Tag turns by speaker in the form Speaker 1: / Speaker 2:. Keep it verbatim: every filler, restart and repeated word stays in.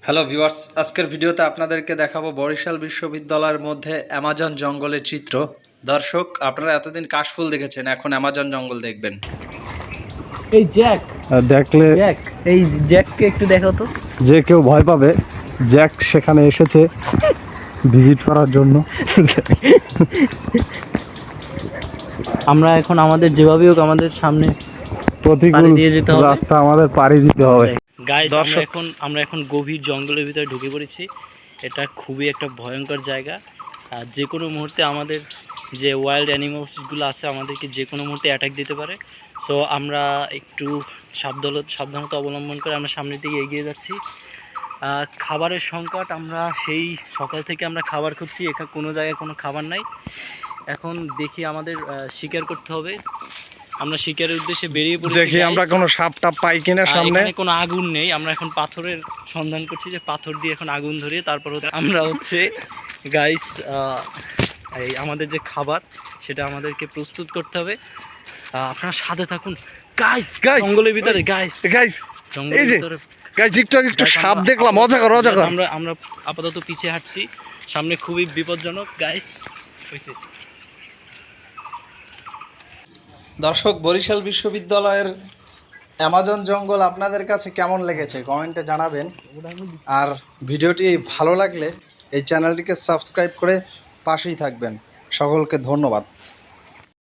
Speaker 1: Hello viewers, আজকের ভিডিওতে আপনাদেরকে দেখাবো বরিশাল বিশ্ববিদ্যালয়ের মধ্যে অ্যামাজন জঙ্গলের চিত্র। দর্শক, আপনারা এতদিন কাশফুল দেখেছেন, এখন অ্যামাজন জঙ্গল দেখবেন।
Speaker 2: এই জ্যাক
Speaker 3: দেখলে
Speaker 2: জ্যাক এই জ্যাককে একটু দেখাও তো।
Speaker 3: যে কেউ ভয় পাবে। জ্যাক সেখানে এসেছে ভিজিট করার জন্য।
Speaker 2: আমরা এখন আমাদের যেভাবেই হোক আমাদের সামনে
Speaker 3: প্রতিকূল
Speaker 2: পাড়ি দিয়ে যেতে হবে।
Speaker 3: রাস্তা আমাদের পাড়ি দিতে হবে।
Speaker 2: গাইস, আমরা
Speaker 3: দর্শক-
Speaker 2: এখন আমরা এখন গভীর জঙ্গলের ভিতরে ঢুকে পড়েছি। এটা খুবই একটা ভয়ঙ্কর জায়গা। আর যে কোনো মুহূর্তে আমাদের যে ওয়াইল্ড অ্যানিমালসগুলো আছে আমাদেরকে যে কোনো মুহূর্তে অ্যাটাক দিতে পারে। সো আমরা একটু সাবধান সাবধানতা অবলম্বন করে আমরা সামনের দিকে এগিয়ে যাচ্ছি। আহ, খাবারের সংকট, আমরা সেই সকাল থেকে আমরা খাবার খুঁজছি, এখানে কোনো জায়গায় কোনো খাবার নাই। এখন দেখি আমাদের আহ, শিকার করতে হবে। আমরা শিকারের উদ্দেশ্যে বেরিয়ে পড়েছি।
Speaker 3: দেখি
Speaker 2: guys।
Speaker 3: আমরা কোনো সাপ টাপ পাই কিনা
Speaker 2: আর
Speaker 3: সামনে।
Speaker 2: এখানে কোনো আগুন নেই, আমরা এখন পাথরের সন্ধান করছি যে পাথর দিয়ে এখন আগুন ধরিয়ে তারপর হচ্ছে আমরা হচ্ছে গাইস এই আমাদের যে খাবার সেটা আমাদেরকে প্রস্তুত করতে হবে। আহ, আপনারা সাথে থাকুন গাইস।
Speaker 3: Guys,
Speaker 2: জঙ্গলের ভিতরে গাইস
Speaker 3: গাইস
Speaker 2: জঙ্গলের
Speaker 3: এই যে
Speaker 2: ভিতরে
Speaker 3: গাইস একটু আগে একটু
Speaker 2: Guys,
Speaker 3: সাপ
Speaker 2: আমরা
Speaker 3: দেখলাম,
Speaker 2: আপাতত-
Speaker 3: মজা কর মজা
Speaker 2: Guys,
Speaker 3: কর।
Speaker 2: আমরা আমরা আপাতত পিছিয়ে হাঁটছি, সামনে খুবই বিপজ্জনক গাইস। হইছে
Speaker 1: দর্শক, বরিশাল বিশ্ববিদ্যালয়ের অ্যামাজন জঙ্গল আপনাদের কাছে কেমন লেগেছে কমেন্টে জানাবেন। আর ভিডিওটি ভালো লাগলে এই চ্যানেলটিকে সাবস্ক্রাইব করে পাশেই থাকবেন। সকলকে ধন্যবাদ।